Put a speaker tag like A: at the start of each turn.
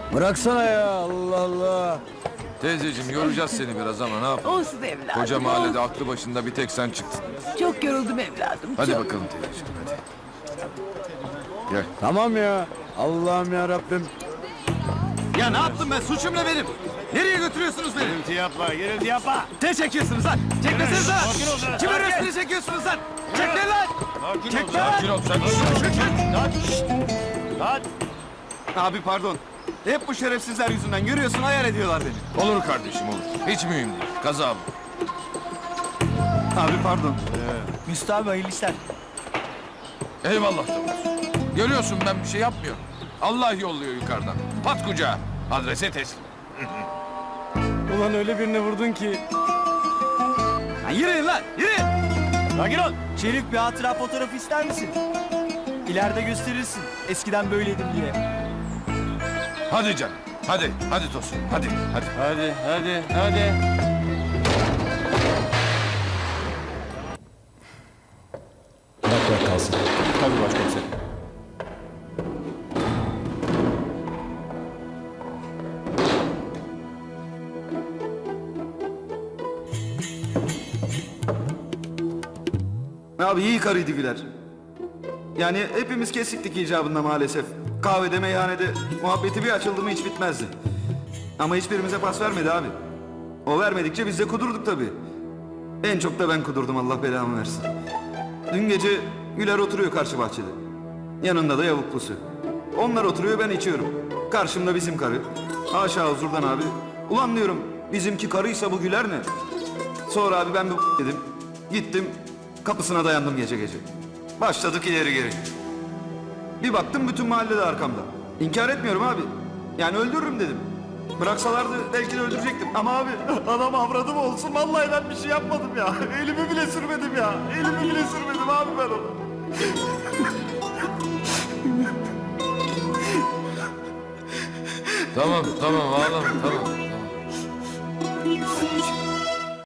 A: Bıraksana ya, Allah Allah.
B: Teyzeciğim yoracağız seni biraz ama ne yapalım?
C: Olsun evladım.
B: Koca mahallede
C: olsun.
B: aklı başında bir tek sen çıktın.
C: Çok yoruldum evladım.
B: Hadi
C: çok.
B: bakalım teyzeciğim hadi. Gel.
A: Tamam ya, Allah'ım ya Rabbim.
D: Ya ne yaptım ben? Suçum ne benim? Nereye götürüyorsunuz beni?
E: Gürültü yapma, gürültü yapma.
D: Ne çekiyorsunuz lan? Çekmesiniz lan!
E: Sakin ol lan,
D: Kimin
E: sakin.
D: resmini çekiyorsunuz lan? Çek lan!
E: Sakin ol.
B: Sakin ol sen.
E: Lan.
D: Abi pardon. Hep bu şerefsizler yüzünden görüyorsun ayar ediyorlar beni.
B: Olur kardeşim olur. Hiç mühim değil. Kaza bu.
D: Abi pardon.
F: Müslü abi hayırlı işler.
B: Eyvallah Tavus. Görüyorsun ben bir şey yapmıyorum. Allah yolluyor yukarıdan. Pat kucağa. Adrese teslim.
A: Ulan öyle birine vurdun ki.
D: Lan yürüyün lan yürüyün.
E: Sakin ol.
F: Şerif bir hatıra fotoğrafı ister misin? İleride gösterirsin. Eskiden böyleydim diye.
B: Hadi canım. Hadi. Hadi Tosun. Hadi. Hadi.
E: Hadi.
A: Bırak kalsın.
E: Tabii başkomiserim.
D: Abi iyi karıydı Güler. Yani hepimiz kesiktik icabında maalesef. Kahvede meyhanede muhabbeti bir açıldı mı hiç bitmezdi. Ama hiçbirimize pas vermedi abi. O vermedikçe biz de kudurduk tabii. En çok da ben kudurdum Allah belamı versin. Dün gece Güler oturuyor karşı bahçede. Yanında da yavuklusu. Onlar oturuyor ben içiyorum. Karşımda bizim karı. Haşa huzurdan abi. Ulan diyorum bizimki karıysa bu Güler ne? Sonra abi ben bu dedim. Gittim kapısına dayandım gece gece. Başladık ileri geri. Bir baktım bütün mahalle de arkamda. İnkar etmiyorum abi. Yani öldürürüm dedim. Bıraksalardı belki de öldürecektim. Ama abi adam avradım olsun. Vallahi ben bir şey yapmadım ya. Elimi bile sürmedim ya. Elimi bile sürmedim abi ben onu.
B: Tamam ağlama tamam.